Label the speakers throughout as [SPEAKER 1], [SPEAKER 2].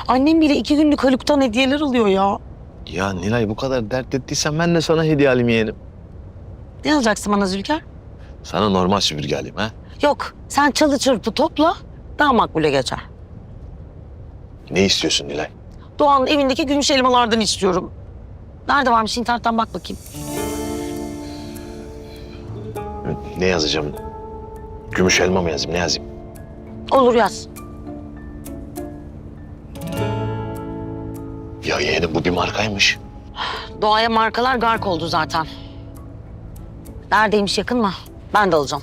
[SPEAKER 1] Annem bile 2 günlük Haluk'tan hediyeler alıyor ya.
[SPEAKER 2] Ya Nilay bu kadar dert ettiysen ben de sana hediye alayım yeğenim.
[SPEAKER 1] Ne alacaksın bana Zülker?
[SPEAKER 2] Sana normal süpürge alayım ha.
[SPEAKER 1] Yok, sen çalı çırpı topla, daha makbule geçer.
[SPEAKER 2] Ne istiyorsun Nilay?
[SPEAKER 1] Doğan'ın evindeki gümüş elmalardan istiyorum. Nerede varmış, internetten bak bakayım.
[SPEAKER 2] Ne yazacağım? Gümüş elma mı yazayım? Ne yazayım?
[SPEAKER 1] Olur yaz.
[SPEAKER 2] Ya yeğenim bu bir markaymış.
[SPEAKER 1] Doğaya markalar gark oldu zaten. Neredeymiş, yakın mı? Ben de alacağım.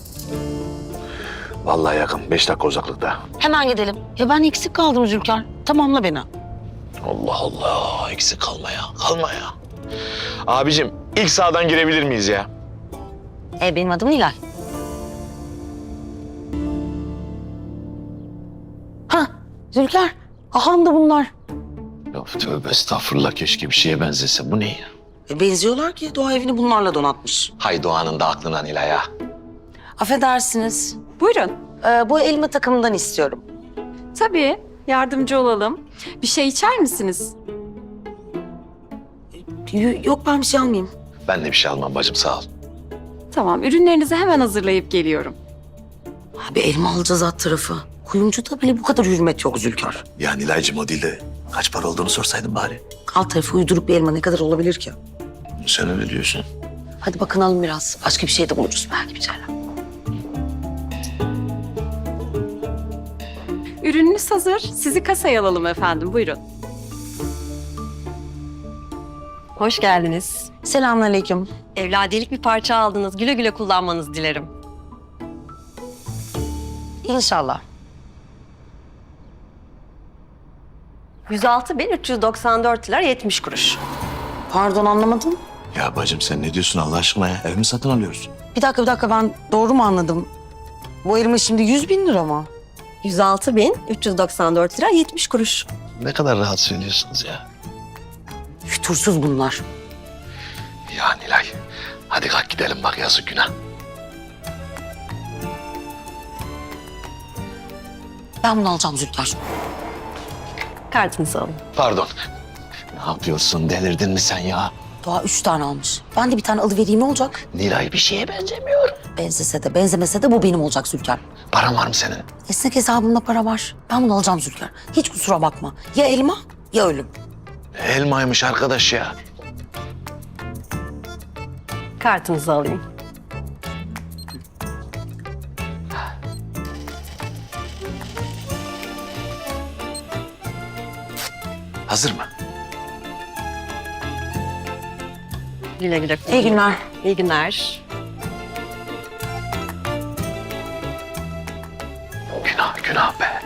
[SPEAKER 2] Vallahi yakın. 5 dakika uzaklıkta.
[SPEAKER 1] Hemen gidelim. Ya ben eksik kaldım Zülker. Tamamla beni.
[SPEAKER 2] Allah Allah. Eksik kalma ya. Kalma ya. Abicim ilk sağdan girebilir miyiz ya?
[SPEAKER 1] Benim adım Nilay. Ha Zülker. Aham da bunlar.
[SPEAKER 2] Ya tövbe estağfurullah, keşke bir şeye benzese. Bu ne ya?
[SPEAKER 1] Benziyorlar ki doğa evini bunlarla donatmış.
[SPEAKER 2] Hay Doğan'ın da aklına Nilay ya.
[SPEAKER 1] Affedersiniz.
[SPEAKER 3] Buyurun.
[SPEAKER 1] Bu elma takımından istiyorum.
[SPEAKER 3] Tabii, yardımcı olalım. Bir şey içer misiniz?
[SPEAKER 1] Yok, ben bir şey almayayım.
[SPEAKER 2] Ben de bir şey almam bacım, sağ ol.
[SPEAKER 3] Tamam, ürünlerinizi hemen hazırlayıp geliyorum.
[SPEAKER 1] Abi elma alacağız alt tarafı. Kuyumcuda bile bu kadar hürmet yok Zülker.
[SPEAKER 2] Ya Nilay'cığım o değil de kaç para olduğunu sorsaydın bari.
[SPEAKER 1] Alt tarafı uyduruk bir elma ne kadar olabilir ki?
[SPEAKER 2] Sen öyle diyorsun.
[SPEAKER 1] Hadi bakınalım biraz. Başka bir şey de buluruz belki bir şeyler.
[SPEAKER 3] Ürününüz hazır. Sizi kasaya alalım efendim. Buyurun.
[SPEAKER 4] Hoş geldiniz.
[SPEAKER 1] Selamünaleyküm.
[SPEAKER 4] Evladiyelik bir parça aldınız. Güle güle kullanmanızı dilerim.
[SPEAKER 1] İnşallah.
[SPEAKER 4] 106.394 lira 70 kuruş.
[SPEAKER 1] Pardon, anlamadım.
[SPEAKER 2] Ya bacım sen ne diyorsun Allah aşkına ya? Ev mi satın alıyoruz?
[SPEAKER 1] Bir dakika ben doğru mu anladım? Bu elma şimdi 100.000 lira mı?
[SPEAKER 4] 106.394 lira 70 kuruş.
[SPEAKER 2] Ne kadar rahat söylüyorsunuz ya.
[SPEAKER 1] Fütursuz bunlar.
[SPEAKER 2] Ya Nilay, hadi kalk gidelim bak, yazık günah.
[SPEAKER 1] Ben bunu alacağım Zülker.
[SPEAKER 4] Kartınızı alın.
[SPEAKER 2] Pardon. Ne yapıyorsun, delirdin mi sen ya?
[SPEAKER 1] Doğa 3 tane almış. Ben de bir tane alıvereyim, ne olacak?
[SPEAKER 2] Nilay bir şeye benzemiyor.
[SPEAKER 1] Benzese de benzemese de bu benim olacak Zülker.
[SPEAKER 2] Paran var mı senin?
[SPEAKER 1] Esnek hesabımda para var. Ben bunu alacağım Zülker. Hiç kusura bakma. Ya elma ya ölüm.
[SPEAKER 2] Elmaymış arkadaş ya.
[SPEAKER 4] Kartınızı alayım.
[SPEAKER 2] Hazır mı?
[SPEAKER 4] Güle güle
[SPEAKER 1] İyi
[SPEAKER 4] kullanın.
[SPEAKER 1] günler.
[SPEAKER 4] İyi günler.
[SPEAKER 2] Günah, günah be.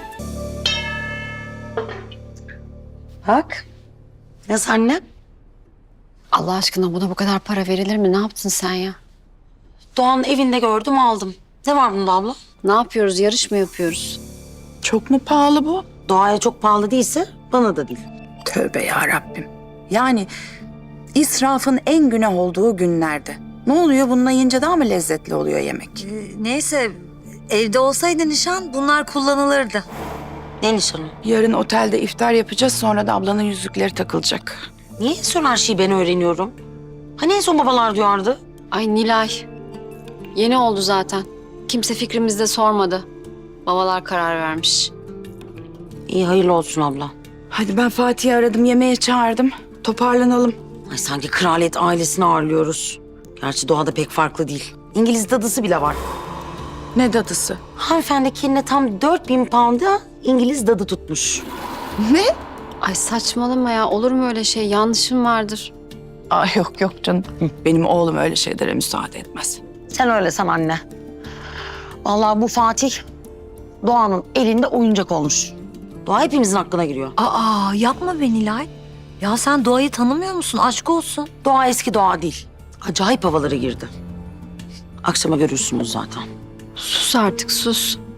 [SPEAKER 1] Bak. Nasıl anne?
[SPEAKER 5] Allah aşkına buna bu kadar para verilir mi? Ne yaptın sen ya?
[SPEAKER 1] Doğan'ın evinde gördüm, aldım. Ne var bunda abla?
[SPEAKER 5] Ne yapıyoruz? Yarış mı yapıyoruz?
[SPEAKER 6] Çok mu pahalı bu?
[SPEAKER 1] Doğaya çok pahalı değilse bana da değil.
[SPEAKER 6] Tövbe ya Rabbim. Yani israfın en günah olduğu günlerde. Ne oluyor? Bununla yiyince daha mı lezzetli oluyor yemek?
[SPEAKER 7] Neyse, evde olsaydı nişan bunlar kullanılırdı.
[SPEAKER 1] Ne nişanı?
[SPEAKER 6] Yarın otelde iftar yapacağız, sonra da ablanın yüzükleri takılacak.
[SPEAKER 1] Niye en son her şeyi ben öğreniyorum? Hani en son babalar duyardı?
[SPEAKER 5] Ay Nilay. Yeni oldu zaten. Kimse fikrimizde sormadı. Babalar karar vermiş.
[SPEAKER 1] İyi, hayırlı olsun abla.
[SPEAKER 6] Hadi ben Fatih'i aradım, yemeğe çağırdım. Toparlanalım.
[SPEAKER 1] Ay sanki kraliyet ailesini ağırlıyoruz. Gerçi doğada pek farklı değil. İngiliz dadısı bile var.
[SPEAKER 6] Ne dadısı?
[SPEAKER 1] Hanımefendi kendine tam 4.000 pound'a İngiliz dadı tutmuş.
[SPEAKER 6] Ne?
[SPEAKER 5] Ay saçmalama ya. Olur mu öyle şey? Yanlışım vardır.
[SPEAKER 6] Ay yok canım. Benim oğlum öyle şeylere müsaade etmez.
[SPEAKER 1] Sen öyle san anne. Vallahi bu Fatih Doğan'ın elinde oyuncak olmuş. Doğa hepimizin aklına giriyor.
[SPEAKER 7] Aa, yapma be Nilay. Ya sen doğayı tanımıyor musun? Aşk olsun.
[SPEAKER 1] Doğa eski doğa değil. Acayip havalara girdi. Akşama görürsünüz zaten.
[SPEAKER 5] Sus artık sus.